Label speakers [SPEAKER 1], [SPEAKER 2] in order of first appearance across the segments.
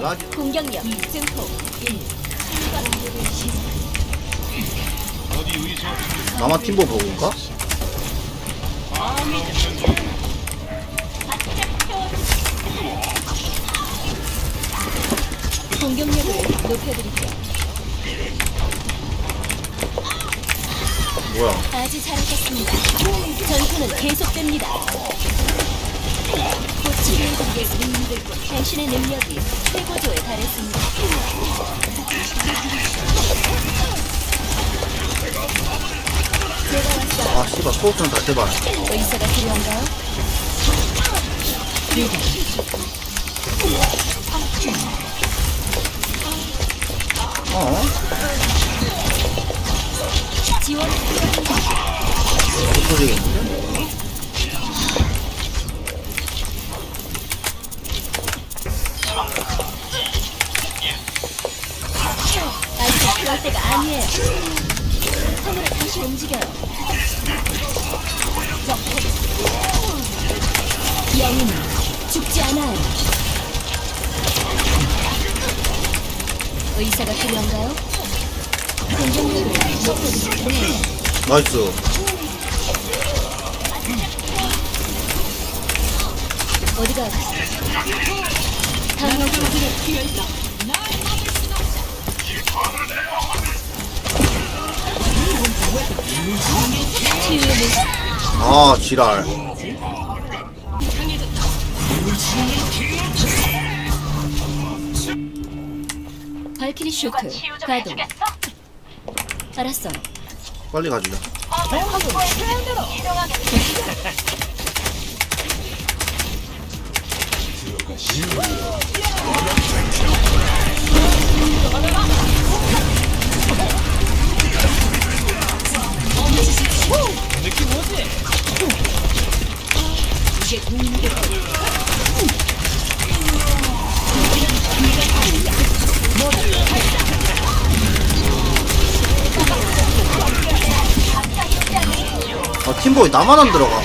[SPEAKER 1] 공격력 증폭 1.
[SPEAKER 2] 나만 팀보 보고 올까?
[SPEAKER 1] 공격력을 높여드릴게요.
[SPEAKER 2] 뭐야?
[SPEAKER 1] 아주 잘하셨습니다. 전투는 계속됩니다. 곧 치료해드리겠습니다. 당신의 능력이 최고조에 달했습니다. 제가 왔어요.
[SPEAKER 2] 아 씨발 소울 좀 다시 해봐.
[SPEAKER 1] 의사가 필요한가요?
[SPEAKER 2] 어?
[SPEAKER 1] 지원
[SPEAKER 2] 못 터지겠는데?
[SPEAKER 1] 아직 그럴 때가 아니에요. 손으로 다시 움직여요. 영웅은 죽지 않아요. 의사가 필요한가요? 공격력을 높여드릴게요.
[SPEAKER 2] 나이스.
[SPEAKER 1] 어디가 강력 무기를 치유의 물
[SPEAKER 2] 아 지랄.
[SPEAKER 1] 발키리 쇼크 가동. 알았어.
[SPEAKER 2] 빨리 가지자.
[SPEAKER 3] 느낌 뭐지?
[SPEAKER 1] 이게 공인데
[SPEAKER 2] 아 팀보이 나만 안 들어가.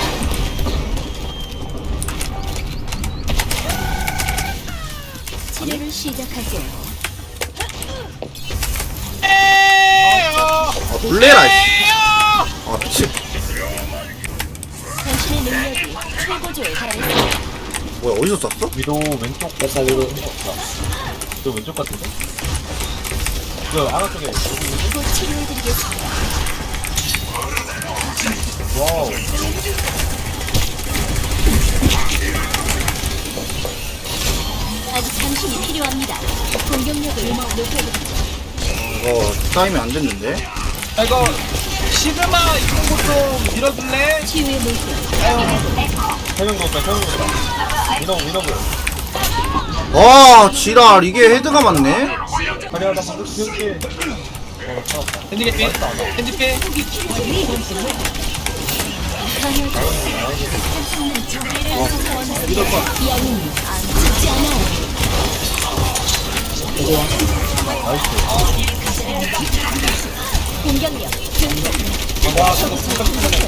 [SPEAKER 1] 치료를 시작할게요.
[SPEAKER 2] 아 놀래라 씨. 아 미친.
[SPEAKER 1] 당신의 능력이 최고조에 달했습니다.
[SPEAKER 2] 뭐야 어디서 쐈어?
[SPEAKER 3] 위도 왼쪽 됐다 위도 저 왼쪽 같은데? 저 아가 쪽에
[SPEAKER 1] 곧 치료해드리겠습니다.
[SPEAKER 3] 와우
[SPEAKER 1] 아직 당신이 필요합니다. 공격력을 높여드리죠.
[SPEAKER 2] 이거 타임이 안 됐는데.
[SPEAKER 3] 아 이거 시그마 이런 것좀 밀어줄래?
[SPEAKER 1] 치유의 물결
[SPEAKER 3] 세명 넣었다 세명 넣었다 위너브
[SPEAKER 2] 아 지랄 이게 헤드가 맞네.
[SPEAKER 3] 아니야 나 방금 기억해 핸디 개피 핸디 개
[SPEAKER 1] 강력한 영웅이 죽지 않아요. 공격력 증폭.
[SPEAKER 3] 와 저거 진짜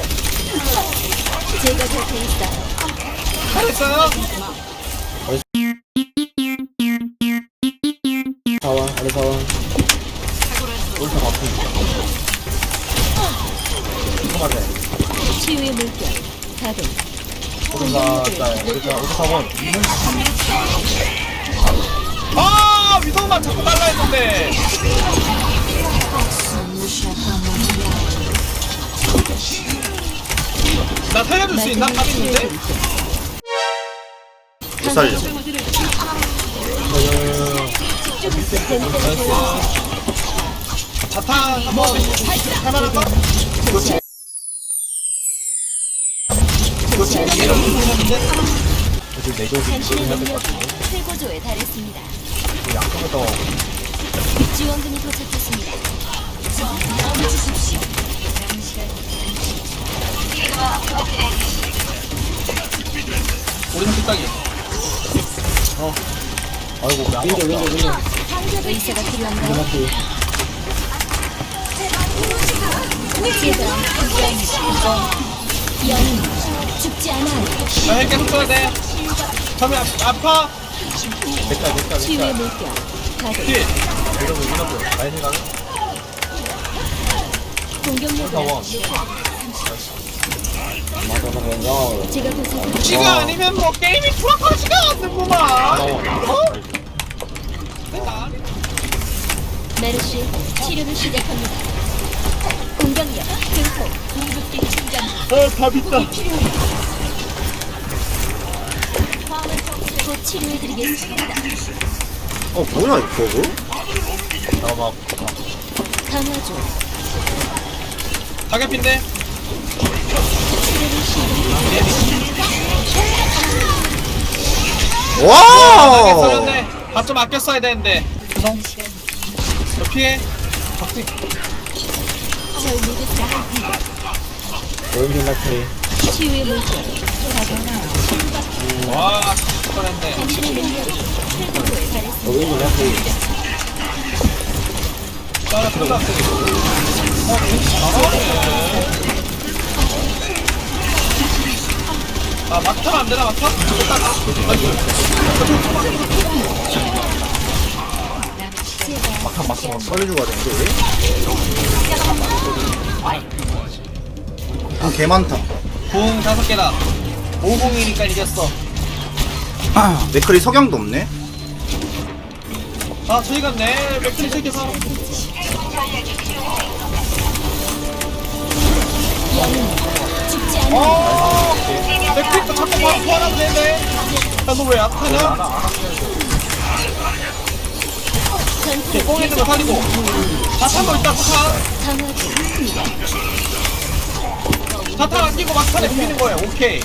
[SPEAKER 1] 제가 곁에 있어요.
[SPEAKER 3] 잘했어요?
[SPEAKER 4] 사원, 아래 사원.
[SPEAKER 3] 옳다 바쁘니까 잠깐만
[SPEAKER 1] 치유의 물결 가동.
[SPEAKER 3] 오른다 4번 아 위도우만 자꾸 달라 했는데 나 살려줄 수 있나? 답 있는데?
[SPEAKER 2] 못 살려.
[SPEAKER 3] 자탄 한번 할만한가?
[SPEAKER 1] 당신의 능력이 최고조에 달했습니다.
[SPEAKER 3] 양쪽에서
[SPEAKER 1] 지원금이 도착했습니다.
[SPEAKER 3] 오른쪽 딱이 아이고 왜
[SPEAKER 4] 윈도, 윈도, 윈도.
[SPEAKER 1] 의사가 필요한가요?
[SPEAKER 4] 맞지?
[SPEAKER 1] 제가 영웅 죽지 않아요.
[SPEAKER 3] 나 계속 써야 돼 처음에 아파
[SPEAKER 1] 치유의 물결 가동.
[SPEAKER 3] 힐! 이러고 라인이 가는?
[SPEAKER 1] 공격력을
[SPEAKER 3] 타워.
[SPEAKER 1] 제가 도착한
[SPEAKER 4] 지가 아니면 뭐 게임이 돌아가지가 않는구만.
[SPEAKER 3] 타워.
[SPEAKER 1] 메르시 치료를 시작합니다. 공격력 증폭 궁극기 충전.
[SPEAKER 3] 밥 있다.
[SPEAKER 1] 곧 치료해드리겠습니다.
[SPEAKER 2] 뭐야 이거 버그?
[SPEAKER 3] 잠깐만.
[SPEAKER 1] 강화조
[SPEAKER 4] 타겟핀데
[SPEAKER 1] 치료를 시작합니다.
[SPEAKER 4] 타겟
[SPEAKER 2] 와!
[SPEAKER 4] 살렸네. 밥좀 아껴 써야 되는데. 죄송. 저 피해. 박지.
[SPEAKER 1] 절 믿으세요. 치유의 물결 가동.
[SPEAKER 4] 와, 뻔했네.
[SPEAKER 1] 당신의 능력이 최고조에 달했습니다.
[SPEAKER 4] 따라 들어가. 아, 막타면 안 되나, 막타?
[SPEAKER 2] 빨리 죽어야 되는데 왜? 개 많다.
[SPEAKER 4] 공 5개다. 501이니까 이겼어.
[SPEAKER 2] 맥클이 석양도 없네.
[SPEAKER 4] 아, 저희 갔네. 맥주리 챙겨서.
[SPEAKER 1] 죽지 않아.
[SPEAKER 4] 맥주리도 자꾸 바로 소환하면 되네. 야, 너 왜 약하냐?
[SPEAKER 1] 전투를
[SPEAKER 4] 꽁 있는 거 살리고. 자탄도 있다, 자탄.
[SPEAKER 1] 강화조
[SPEAKER 4] 자탄 안 끼고 막탄에 비비는 거야. 오케이.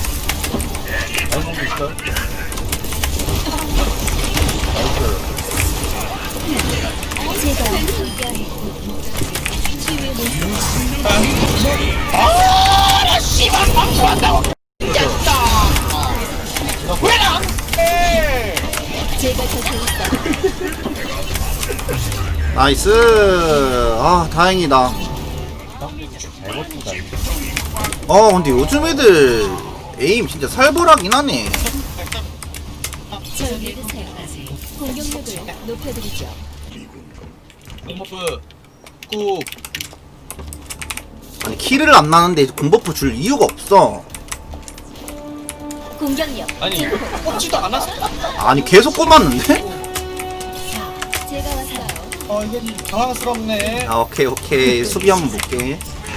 [SPEAKER 1] 제가 함께하는 치유의 물결
[SPEAKER 4] 아, 씨발, 방송한다고. 깼다. 왜안 해?
[SPEAKER 1] 제가 곁에 있어.
[SPEAKER 2] 나이스. 아 다행이다. 근데 요즘 애들 에임 진짜 살벌하긴 하네.
[SPEAKER 1] 절 믿으세요. 공격력을 높여드리죠.
[SPEAKER 4] 공버프 꾹.
[SPEAKER 2] 아니 키를 안 나는데 공버프 줄 이유가 없어.
[SPEAKER 1] 공격력
[SPEAKER 4] 아니,
[SPEAKER 1] 증폭.
[SPEAKER 4] 꽂지도 않았어.
[SPEAKER 2] 아니 계속 꼽았는데?
[SPEAKER 1] 제가 왔어요.
[SPEAKER 4] 이게 당황스럽네.
[SPEAKER 2] 오케이 수비 한번 볼게.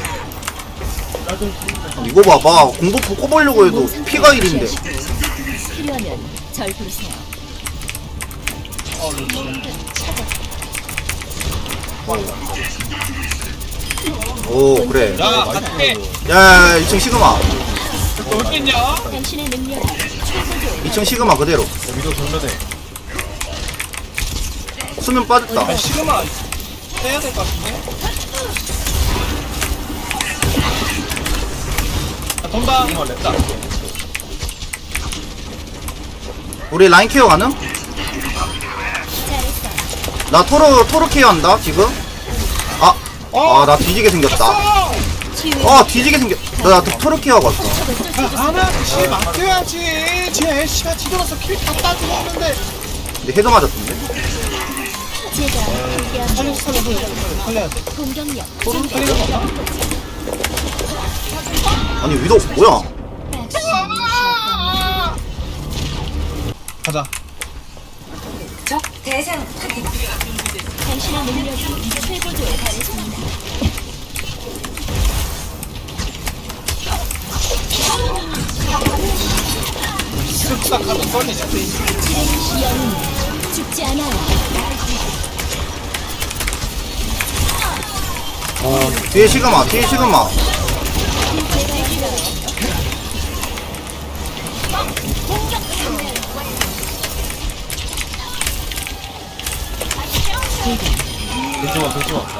[SPEAKER 2] 이거 봐봐 공버프 꼽으려고 해도 피가 1인데.
[SPEAKER 1] 필요하면 절 부르세요.
[SPEAKER 2] 오 그래.
[SPEAKER 4] 야, 갈게.
[SPEAKER 2] 야 2층 시그마.
[SPEAKER 4] 너 어딨냐?
[SPEAKER 1] 당신의 능력이 최고조에
[SPEAKER 2] 2층 시그마 그대로.
[SPEAKER 3] 위도 정면에.
[SPEAKER 2] 수면 빠졌다.
[SPEAKER 4] 아, 시그마 해야 될 것 같은데? 아, 돈다. 됐다.
[SPEAKER 2] 우리 라인 케어 가능?
[SPEAKER 1] 잘했어.
[SPEAKER 2] 나 토르 케어 한다 지금. 나 뒤지게 생겼다.
[SPEAKER 1] 치유의
[SPEAKER 2] 뒤지게 생겼. 나 토르 케어 갔어.
[SPEAKER 4] 하나씩 맡겨야지. 쟤 애쉬가 뒤돌아서 킬 다 따주고 있는데.
[SPEAKER 2] 근데 헤드 맞았던데.
[SPEAKER 1] 제가 함께하는
[SPEAKER 4] 살려야 돼.
[SPEAKER 1] 공격력
[SPEAKER 4] 도로 살리는 거 없나?
[SPEAKER 2] 아니 위도 뭐야?
[SPEAKER 4] 가자.
[SPEAKER 1] 당신의 능력이 최고조에 달했습니다.
[SPEAKER 4] 쓱싹 하면 썰리냐.
[SPEAKER 1] 지레시 영웅 죽지 않아요.
[SPEAKER 2] 뒤에 시그마 뒤에 시그마.
[SPEAKER 3] 괜찮아.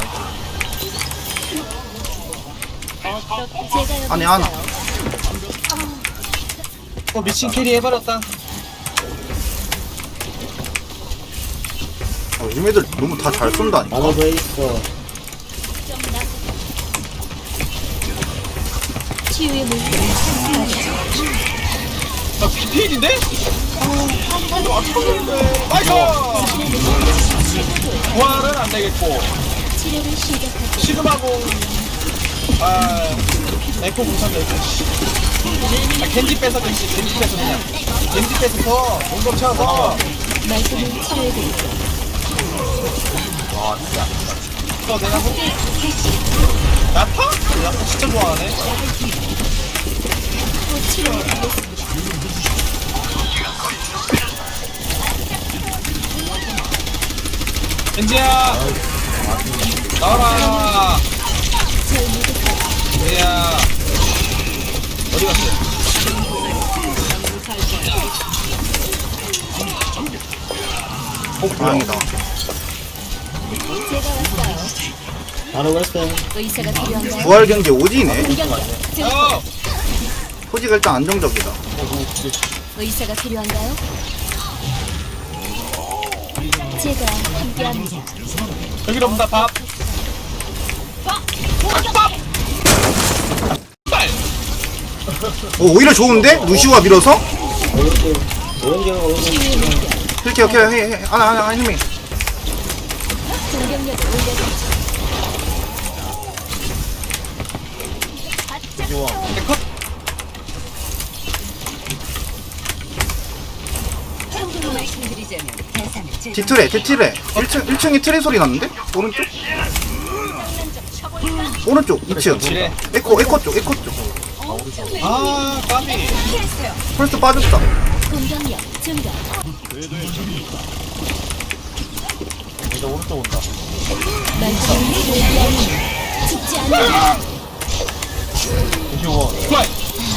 [SPEAKER 1] 제가 여기
[SPEAKER 2] 아니, 하나.
[SPEAKER 1] 있어요.
[SPEAKER 4] 미친 캐리 해버렸다.
[SPEAKER 2] 요즘 애들 너무 다 잘 쏜다니까.
[SPEAKER 1] 치유의 물결
[SPEAKER 4] 나 BP인인데? 아, 맞췄는데. 나이스! 부활은 안 되겠고.
[SPEAKER 1] 치료를 시작할게.
[SPEAKER 4] 시그마고. 아, 에코 못한다, 에코. 아, 겐지 뺏어, 겐지 뺏어, 그냥. 겐지 뺏어서, 공격 쳐서.
[SPEAKER 1] 말끔히 치료해드릴게.
[SPEAKER 3] 와, 진짜.
[SPEAKER 4] 또 내가 뭐? 야타? 야타 진짜 좋아하네.
[SPEAKER 1] 곧 치료해드리겠습니다.
[SPEAKER 4] 겐지야! 나와라!
[SPEAKER 1] 절 믿으세요.
[SPEAKER 4] 겐지야! 어디 갔어?
[SPEAKER 2] 다행이다.
[SPEAKER 1] 제가 왔어요.
[SPEAKER 3] 바로 왔어요.
[SPEAKER 1] 의사가 필요한가요?
[SPEAKER 2] 부활 경기 오지네.
[SPEAKER 1] 공격력. 증폭.
[SPEAKER 4] 어!
[SPEAKER 2] 포지가 일단 안정적이다.
[SPEAKER 1] 의사가 필요한가요? 제가 함께합니다.
[SPEAKER 4] 여기로 온다, 밥! 밥! 빨!
[SPEAKER 2] 오히려 좋은데? 루시우가 밀어서?
[SPEAKER 1] 치유의 물결.
[SPEAKER 2] 이렇게 오케이 하나 힘이.
[SPEAKER 1] 공격력을 올려드리죠.
[SPEAKER 4] 컷!
[SPEAKER 1] 참고로 말씀드리자면 대상은 제
[SPEAKER 2] 뒤틀에 1층에 트레 소리 났는데? 오른쪽? 오른쪽 2층.
[SPEAKER 4] 지뢰.
[SPEAKER 2] 에코 쪽.
[SPEAKER 4] 아, 까비.
[SPEAKER 2] 펄스 빠졌다.
[SPEAKER 1] 공격력 증가.
[SPEAKER 3] 이제 오른쪽 온다.
[SPEAKER 1] 말씀을 준비하니 죽지 않아.
[SPEAKER 3] 95원.
[SPEAKER 4] 플라이!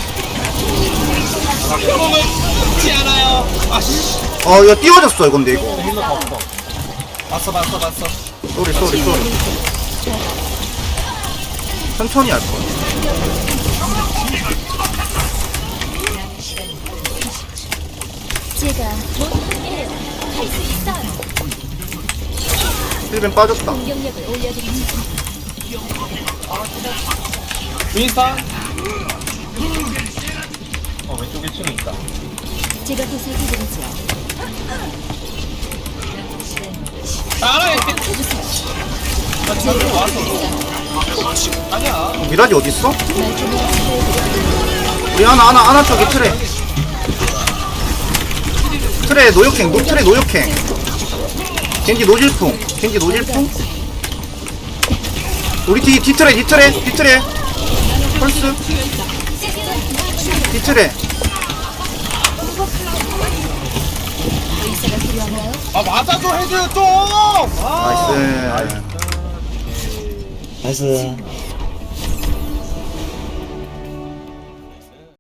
[SPEAKER 4] 상대방은 죽지 않아요. 아씨.
[SPEAKER 2] 이거 띄워졌어 근데 이거.
[SPEAKER 3] 힐러 다 없어.
[SPEAKER 4] 봤어.
[SPEAKER 2] 쏘리. 천천히 할 거야.
[SPEAKER 1] 제가 못해요. 할 수 있어요.
[SPEAKER 2] 힐벤 빠졌다.
[SPEAKER 1] 공격력을 올려드리죠.
[SPEAKER 4] 윈스턴.
[SPEAKER 3] 왼쪽 1층에 있다.
[SPEAKER 1] 제가 보살펴드리죠.
[SPEAKER 4] 알아, 이렇게.
[SPEAKER 1] 해주세요.
[SPEAKER 4] 나 지금 왔어. 아니야.
[SPEAKER 2] 미라지 어딨어?
[SPEAKER 1] 말씀을 치료해드리죠.
[SPEAKER 2] 우리 하나 쪽에 트레 노역행 겐지 노질풍 우리 뒤트레 펄스 뒤트레.
[SPEAKER 1] 의사가 필요한가요?
[SPEAKER 4] 아, 맞아줘, 헤드 좀! 아.
[SPEAKER 2] 나이스.
[SPEAKER 5] 나이스.